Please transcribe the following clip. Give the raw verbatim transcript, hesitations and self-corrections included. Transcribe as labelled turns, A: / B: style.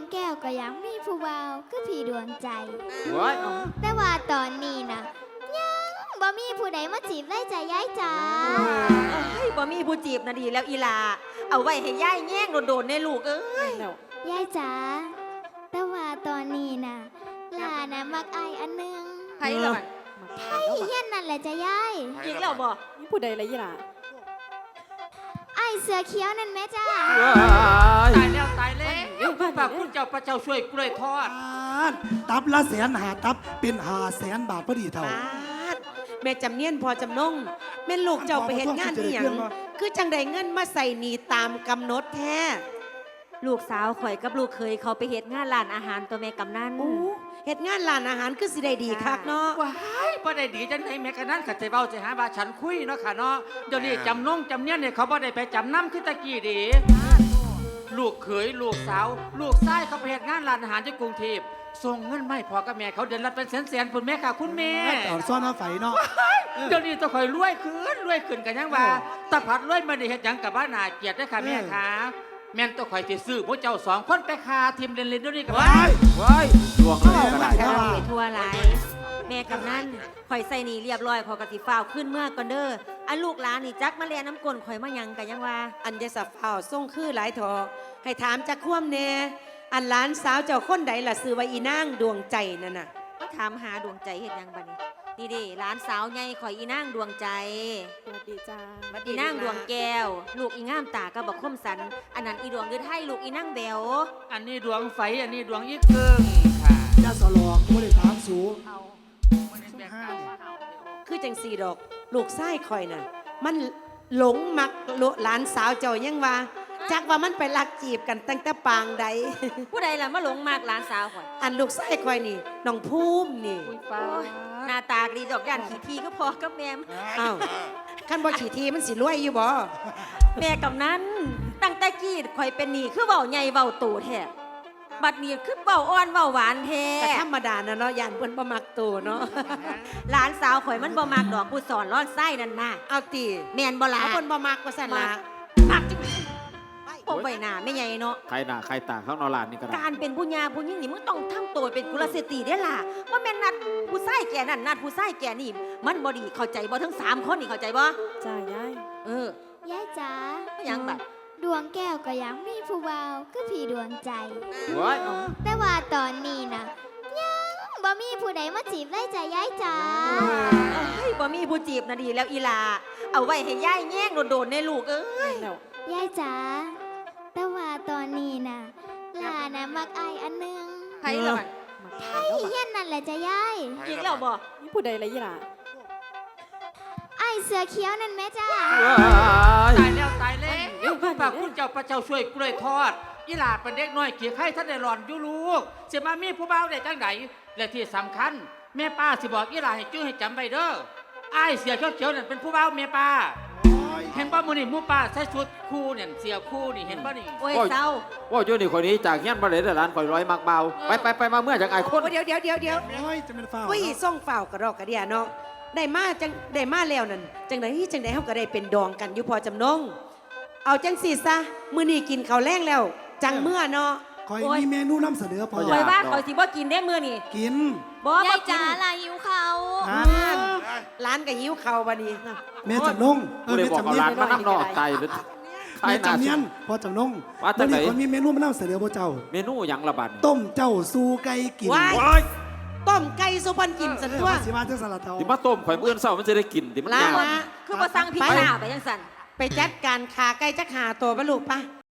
A: แก้วก็ยังมีผู้เบาคือพี่ดวงใจ
B: ว้าย
A: แต่ว่าตอนนี้นะยังบ่มีผู้ใดมาจีบได้ใจย้ายจ๋า
C: เฮ้ยบ่มีผู้จีบนะดีแล้วอีลาเอาไว้ให้ย่ายแง่งโดนๆในลูกเอ้ย
A: ย้ายจ๋าแต่ว่าตอนนี้นะลานะมักไอายอันหนึง
C: ไผล่ะ
A: ไอ้เฮียนนั่นแหละจะย้าย
C: จริงแล้วบ่
D: นี่ผู้ใดละยี่ล่ะ
A: ไอายเสือเขียวนั่นแม่จ้า
B: ว้าย
E: ตายแล้วตายแล้วฝากคุณเจ้าพระเจ้าช่วยกล้วยทอด
F: ตับละแสนหาตับเป็นหาแสนบาทพอดีเท่า
C: ปาดแม่จำเนียนพอจำนงแม่ลูกเจ้าไปเฮ็ดงานอีหยังคือจังได้เงินมาใส่หนีตามกำหนดแท้
G: ลูกสาวข่อยกับลูกเคยเขาไปเฮ็ดงานร้านอาหารตัวแม่กำนัน
C: โอ้เฮ็ดงานร้านอาหารคือสิได้ดีคักเนาะ
E: ว้ายบ่ได้ดีจังไดแม่กันนั้นก็ใจเว้าใจหาว่าฉันคุยเนาะค่ะเนาะเดี๋ยวนี้จำนงจำเนียนเนี่ยเขาบ่ได้ไปจำนำคือตะกี้เดีลูกเขยลูกสาว ลูกชายเขาไปเฮ็ดงานร้านอาหารที่กรุงเทพส่งเงินมาให้พ่อกับแม่เขาเดือนละเป็นแสนๆพุ่นแม่ค่ะคุณแม่
F: ตอนซ่อนหน้าไฟเนาะ
E: เดี๋ยวนี้ต้องคอยรวยขึ้นรวยขึ้นกันยังว่าตาผัดรวยมาได้เฮ็ดหยังกับบ้านนาเกียรติได้อค่ะแม่ค่ะแม่นต้องคอยสิซื้อพวกเจ้าสองคนไปคาทีมเล่นๆเดี๋ยวนี้กับว่า
B: ว้ายดวงเลยก็ได้
G: กำลังไปทั่วหลายแม่กำนันข่อยใส่หนีเรียบร้อยขอยกะสิฟ้าวขึ้นเมื่อก่อนเด้ออันลูกหลานนี่จักมาเลียน้ำกลนข่อยมาหยังกันยังว่า
C: อันจะสับเฝ้าส่งคือหลายทอให้ถามจักคว่ำแน่อันหลานสาวเจ้าคนใดล่ะซื้อไว้อีนางดวงใจนั่นน่ะ
G: ก็ถามหาดวงใจเฮ็ดหยังบัดนี้นี่เด้หลานสาวใหญ่ข่อยอีนางดวงใจ
D: สวัสดีจ้า
G: อีนางดวงแก้ว ลูกอีงามตาก็บอกคมสันอันนั้นอีดวงยืดให้ลูกอีนางแบว
E: อันนี้ดวงไฟอันนี้ดวงอีกเกิงค่ะ
F: ยาสลอกไม่ได้ถามสู
C: คือจังสีดอก ลูกไส้คอยน่ะ มันหลงมักหลานสาวเจ้ายังว่าจักว่ามันไปลักจีบกันตั้งแต่ปางใด
G: ผู้ใดล่ะมาหลงมากหลานสาวข่อย
C: อันลูกไส้คอยนี่น้องภูมินี่
E: ฟ้า
G: หน้าตาดีดอกย่านขี้ทีก็พอกับแม่ม
C: อ้าวขั้นบ่ขี่ทีมันสิรวยอยู่บ่
G: แม่กำนั้นตั้งแต่กี้ข่อยเป็นหนี่คือเว้าใหญ่เว้าโตแท้บัดนี้คือเว้าอ่อนเว้าหวานแท้
C: แต่ธรรมดานะเนาะย่านเพิ่นบ่มักตัวเนาะ
G: หลานสาวข่อยมันบ่มักดอกผู้สอนร้อนไส้นั่นน่ะ
C: เอาตี
G: แม่นบ่ล่ะ
C: เอาเพิ่นบ่มักว่าซั่นล่ะ
G: มักจังพวกใบหน้าไม่ใหญ่เนาะ
B: ใครหน้าใครตาข้างนอกลานนี่ก็ได้
G: การเป็นผู้หญิงผู้หญิงนี่มึงต้องทำตัวเป็นกุลสตรีได้ล่ะว่าแม่นนัดผู้ชายแก่นั่นนัดผู้ชายแก่นี่มันบ่ดีเข้าใจบ่ทั้งสามคนนี่เข้าใจบ่
D: จ้ายาย
G: เออ
A: ย้ายจ๋า
G: หยังบัด
A: ดวงแก้วก็ยังมีผู้เบาคือพี่ดวงใจ
B: ว้าย
A: แต่ว่าตอนนี้นะยังบ่มีผู้ใดมาจีบได้ใจย้ายจ๋า
G: เฮ้ยบ่มีผู้จีบนะดีแล้วอีลาเอาไว้ให้ย่ายแง่งโดนๆในลูกเอ้ย
D: แล้ว
A: ย้ายจ๋าแต่ว่าตอนนี้นะลานะมักไอายอันหนึง
G: ไผล่ะ
A: ไอ้เฮียนนั่นแหละจะย้าย
G: จริงแล้วบ่
D: นี่ผู้ใดละยี่ล่ะ
A: ไอายเสือเขียวนั่นแม่จ้า
B: ว้าย
E: ตายแล้วตายแล้วฝากคุณเจ้าพระเจ้าช่วยกล้วยทอดอีหลาเป็นเด็กน้อยเกียร์ไข่ท่านได้หลอนอยู่ลูกสิมามีผู้บ่าวได้จังไดและที่สำคัญ แม่ป้าสิบอกอีหลาให้จื้อให้จำไว้เด้ออ้ายเสียเขียวๆนั่นเป็นผู้บ่าวแม่ป้าเห็นบ่มื้อนี้หมู่ป้าใส่ชุดคู่เนี่ยเสียคู่นี่เห็นบ่นี่
G: โอ้ยเศร้า
B: ว่าอยู่นี่คนนี้จากเงี้ยนมาเลยแต่ร้านคอยร้อยมักเบาไปไปไปมาเมื่อจากไอ้คน
C: โอ้เดี๋ยวเดี๋ยวเดี๋ยวเดี๋ยว
F: โอ้ยจะเป็นฝ้าว
C: อุ้ยส่งฝ่าวกระดอกกระเดียเนาะได้มาจังได้มาแล้วนั่นจังไดจังไดเฮาก็ได้เป็นดองกันอยู่พอจำนง เอาจังสิซะมื้อนี้กินข้าวแรงแล้ว จังเมื่อเนาะ
F: คอยมีเมนูนำเสนอพอ
G: ข่อยว่าข่อยสิบ่กินได้มื้อนี่
F: กิน
G: บ่
A: ยา
G: บ่
A: ย
G: กิ
A: จ๋าน ลาหิวเขา
F: นั่น
C: ร้านก็หิวข้าวบัดนี้
F: แม่จำนงเอ
B: กู
F: อ
B: เลย
F: แม่
B: บอก
F: จำ
B: เอา
F: เนีย
B: ร้าน นมานั่งนอกไก่หรือใคร
F: แม่
B: หน้า
F: จำเนียนพอจำนง
B: ว่าจังไหน
F: วันนี้คนมีเมนูมานำเสนอพระเจ้า
B: เมนูหยังละบัด
F: ต้มเจ้าสู้ไก่กิน
C: ว้าย
B: ว้าย
C: ต้มไก่สุพรรณกินสัน
F: เออ
C: ตัว
F: ว่าสิมาจังสลัดเทา
B: ที่มาต้มข่อยมื้ออนเช้ามันจะได้กินที่มัน
C: ลาย
B: าว
C: ละ
G: คือบ่สั่งพริกหน้าไปจังซั่น
C: ไปจัดการขาไก่จักหาตัวบ่ลูกปะ